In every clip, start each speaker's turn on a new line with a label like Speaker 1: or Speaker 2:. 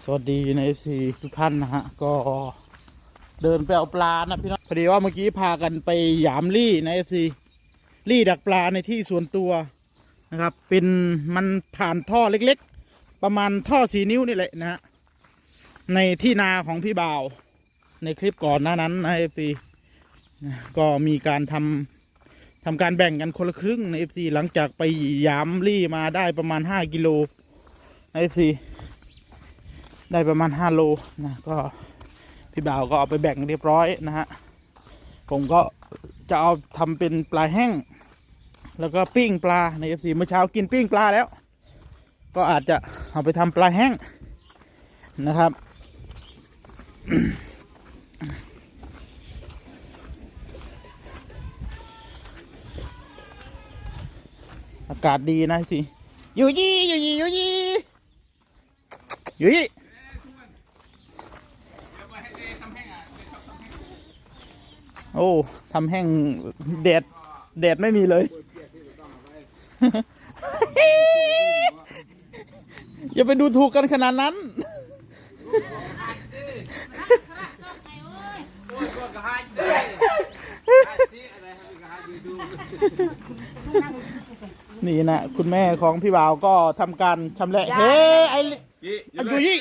Speaker 1: วัสดีใน FC ทุกท่านนะฮะก็เดินไปเอาปลานะพี่น้องพอดีว่าเมื่อกี้พากันไปหยามลี่ใน FC ลี่ดักปลาในที่ส่วนตัวนะครับเป็นมันผ่านท่อเล็กๆประมาณท่อ4 นิ้วนี่แหละนะฮะในที่นาของพี่บ่าวในคลิปก่อนหน้านั้นใน FC ก็มีการทำการแบ่งกันคนละครึ่งใน FC หลังจากไปหยามลี่มาได้ประมาณ5 กิโลใน FCได้ประมาณ5 โลนะก็พี่บ่าวก็เอาไปแบ่งเรียบร้อยนะฮะผมก็จะเอาทำเป็นปลาแห้งแล้วก็ปิ้งปลาใน FC เมื่อเช้ากินปิ้งปลาแล้วก็อาจจะเอาไปทำปลาแห้งนะครับอากาศดีนะพี่อยู่ยี่โอ้ทำแห้งแดดไม่มีเลย อย่าไปดูถูกกันขนาดนั้น นี่นะคุณแม่ของพี่บ่าวก็ทำการชำแหละเฮ้ไอ้ยูยี่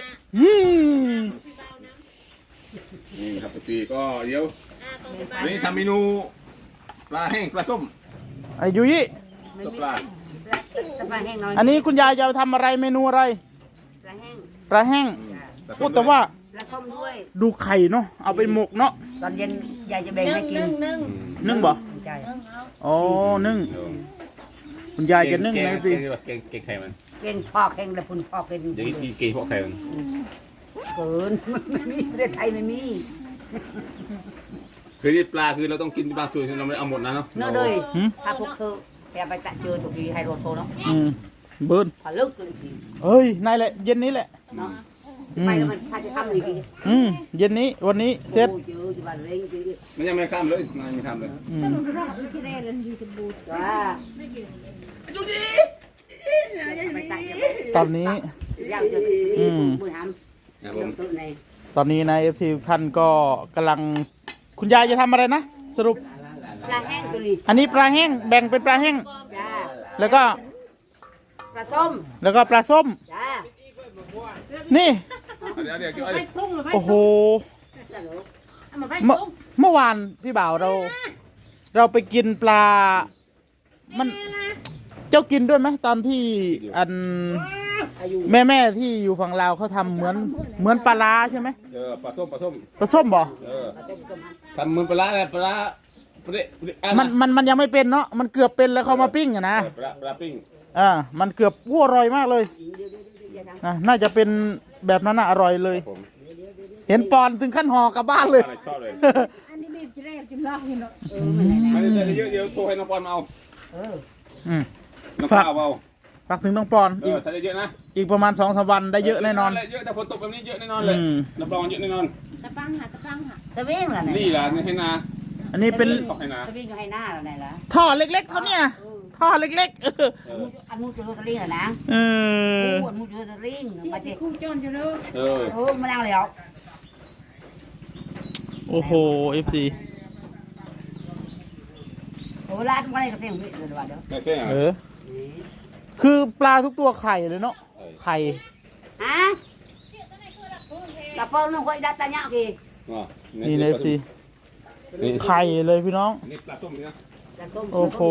Speaker 2: นี่ครับปีก็เดี๋ยวนี่ทำเมนูปลาแห้งปลาส้ม
Speaker 1: ไอ้ยูยี่
Speaker 2: ตัวปลา
Speaker 1: อันนี้คุณยายจะทำอะไรเมนูอะไรปลาแห้งพูดแต่ว่าดูไข่เนาะเอาไปหมกเนาะ
Speaker 3: ตอนเย็นยายจะแบ่งให้กิน
Speaker 1: นึ่งบ่อ๋อนึ่งคุณยายจะนึ่งไหมพี่
Speaker 2: เก่งไข่มัน
Speaker 3: เก่งพอกเก่งแต่คุณพอกเป็น
Speaker 2: เดี๋ยวนี้เก่งพอกไข่มัน
Speaker 3: เกินไม่มีประเทศไทยไม่มี
Speaker 2: คือที่ปลาคือเราต้องกินบางส่วนเราไม่เอาหมดนะเนาะ
Speaker 3: เนื้อเลยถ้าพวกเธอแกไปตัดเจอถูกทีไฮโรโซเนาะ
Speaker 1: เบิร์น
Speaker 3: พอลึกเลย
Speaker 1: เฮ้ยนายแหละเย็นนี้แหละ
Speaker 3: เนาะไปแล้วมันถ้าจะทำอีก
Speaker 1: เย็นนี้วันนี้เสร็จ
Speaker 2: มันยังไม่ข้ามเลยนายไม่ข้ามเลย
Speaker 1: ตอนนี้ตอนนี้นายFCท่านก็กำลังคุณยายจะทำอะไรนะสรุป
Speaker 3: ปลาแห้งตัวนี้
Speaker 1: อันนี้ปลาแห้งแบ่งเป็นปลาแห้งแล้วก็
Speaker 3: ปลาส้ม
Speaker 1: นี่โอ้โหเมื่อวานพี่บ่าวเราไปกินปลามันเจ้ากินด้วยไหมตอนที่อันแม่ที่อยู่ฝั่งลาวเขาทำเหมือนปลาร้าใช่ไหม
Speaker 2: ปลาส้
Speaker 1: มบ่
Speaker 2: ทำเหมือนปลาอะไรปลา
Speaker 1: มันยังไม่เป็นเนาะมันเกือบเป็นแล้วเขามาปิ้งอะนะ
Speaker 2: ปลาปิ้ง
Speaker 1: มันเกือบอร่อยมากเลยน่าจะเป็นแบบนั้นอร่อยเลยเห็นปอนถึงขั้นห่อกลับบ้านเลย
Speaker 2: ชอบเลยอันนี้มีแรกกินเหล้าเนาะไม่ได้เยอะโทรให้น้องปอนเอาน้องข้าวเอา
Speaker 1: ฝากถึงน้องปอน
Speaker 2: ถ้าเยอะนะ
Speaker 1: อีกประมาณ2-3 วันได้เยอะแน่นอน
Speaker 2: เยอะแต่ฝนตกแบบนี้เยอะแน่นอนเลยน้ำปอนเยอะแน่นอน
Speaker 3: ตะปังสวิงล่ะ
Speaker 2: นี่ล่ะนี่ให้นา
Speaker 1: อันนี้เป็น
Speaker 3: สวิงให้หน้าล่ะไหนล่ะ
Speaker 1: ท่อเล็กๆเท่านี้นะท่อเล็ก
Speaker 3: ๆอันนู้นจะรู้ตะลิงเหรอนะอันนู้นจะรู้ตะลิงมาที่คู่จนจะรู้มาแล้วเลย
Speaker 1: โอ้โห FC
Speaker 3: โอ้ร้านอะไรก็เสียงเดี๋ยวว่าเดี๋ยว
Speaker 1: คือปลาทุกตัวไข่เลยเนาะไข่
Speaker 3: ฮะกระเป๋าน้องคอยดัดตาเนาะกี่
Speaker 1: นี่นะสิไข่เลยพี่น้อง
Speaker 2: นี่ปลาส้มนะ
Speaker 1: โอ้โห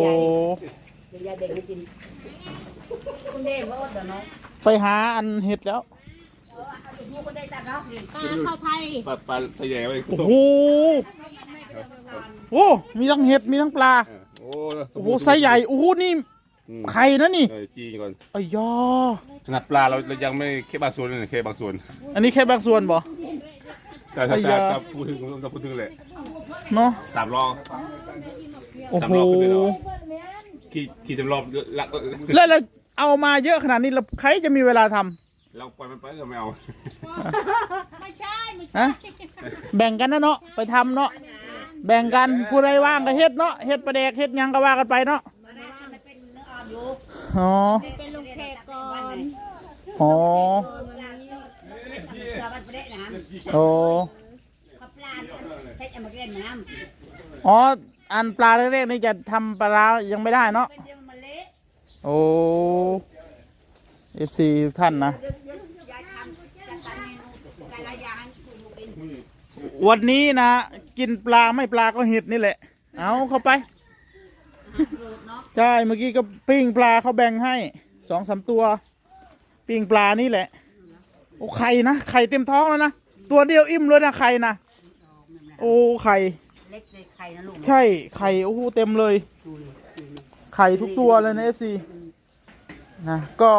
Speaker 1: ไปหาอันเห็ดแล้ว
Speaker 2: ปลาไทยปลาใส่ใหญ่ไว้
Speaker 1: โอ้โหโอ้มีทั้งเห็ดมีทั้งปลาโอ้โหไซส์ใหญ่โอ้โหนี่ไข่นะนี่
Speaker 2: จีก่อน
Speaker 1: อ้ยอ
Speaker 2: ขนาดปลาเรายังไม่แค่บางส่วนเลยแค่บางส่วน
Speaker 1: อันนี้แค่บางส่วนบ่
Speaker 2: แต่ถ้าพูดถึงเลย
Speaker 1: เนาะ
Speaker 2: 3 รอบ
Speaker 1: โอ้โห
Speaker 2: ขี่3 รอบ
Speaker 1: แล้วเอามาเยอะขนาดนี้แล้วใครจะมีเวลาท
Speaker 2: ำเราปล่อยมันไปเราไม่เอา
Speaker 1: ไม่ใช่แบ่งกันนะเนาะไปทำเนาะแบ่งกันผู้ใดว่างก็เฮ็ดเนาะเฮ็ดประเดกเฮ็ดยังก็ว่ากันไปเนาะอ๋อ
Speaker 4: เป็นลูกแขกก่อน
Speaker 1: อ๋อ
Speaker 3: น้ำ
Speaker 1: โอ้
Speaker 3: ขับปลาใช้เอามาเล่นน้ำ
Speaker 1: อ๋ออันปลาเล็กๆนี่จะทำปลาร้ายังไม่ได้เนาะ
Speaker 3: เป็นเดียวมันเละ
Speaker 1: โอ้ FC ทุกท่านนะ
Speaker 3: ยายทำจะทำเมนูแต่ละอย่างให้คุณลูกกิน
Speaker 1: วันนี้นะกินปลาไม่ปลาก็เห็ดนี่แหละ เอาเข้าไป ใช่เมื่อกี้ก็ปิ้งปลาเขาแบ่งให้2-3 ตัว ปิ้งปลานี่แหละ โอ้ไข่นะไข่เต็มท้องแล้วนะตัวเดียวอิ่มเลยนะไข่นะโอ้ไข่
Speaker 3: เล็กเลยไข่นะลูก
Speaker 1: ใช่ไข่โอ้โหเต็มเลย ไข่ทุกตัวเลยนะ FC นะก็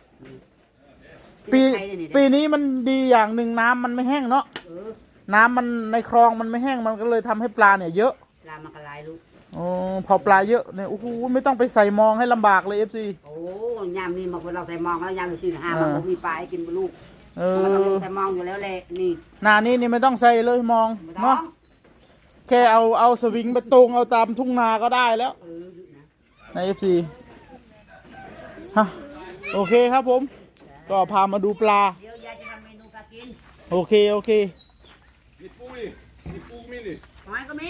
Speaker 1: ปีนี้มันดีอย่างหนึ่งน้ำมันไม่แห้งเนาะน้ำมันในคลองมันไม่แห้งมันก็เลยทำให้ปลาเนี่ยเยอะ
Speaker 3: ปลามากระไรลูก
Speaker 1: โอ้พอปลาเยอะเนี่ยโอ้โหไม่ต้องไปใส่มองให้ลำบากเลย FC
Speaker 3: โอ้ยามนี้มาเราใส่มองแล้วยามเราซื้อหามันมีปลาให้กินลูก
Speaker 1: เอ
Speaker 3: มันต้อง
Speaker 1: อ
Speaker 3: ใส่มองอยู่แล้วแหละนี่
Speaker 1: หน้านี้นี่ไม่ต้องใส่เลยมอง
Speaker 3: ไม่ต้อ
Speaker 1: เนาะ
Speaker 3: ง
Speaker 1: แค่เอาสวิงไปตรงเอาตามทุ่งนาก็ได้แล้ว ใน FC ฮะโอเคครับผม ก็พามาดูปลา
Speaker 3: เดี๋ยวยายจะทำเมนูปลากิน
Speaker 1: โอเค โอเค
Speaker 2: มีปูนี่มีปูมีนี่
Speaker 3: หอยก็มี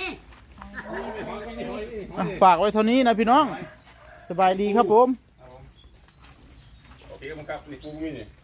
Speaker 1: อ่ะฝากไว้เท่านี้นะพี่น้อง สบายดีครับผม
Speaker 2: โอเคครับมีปูมีนี่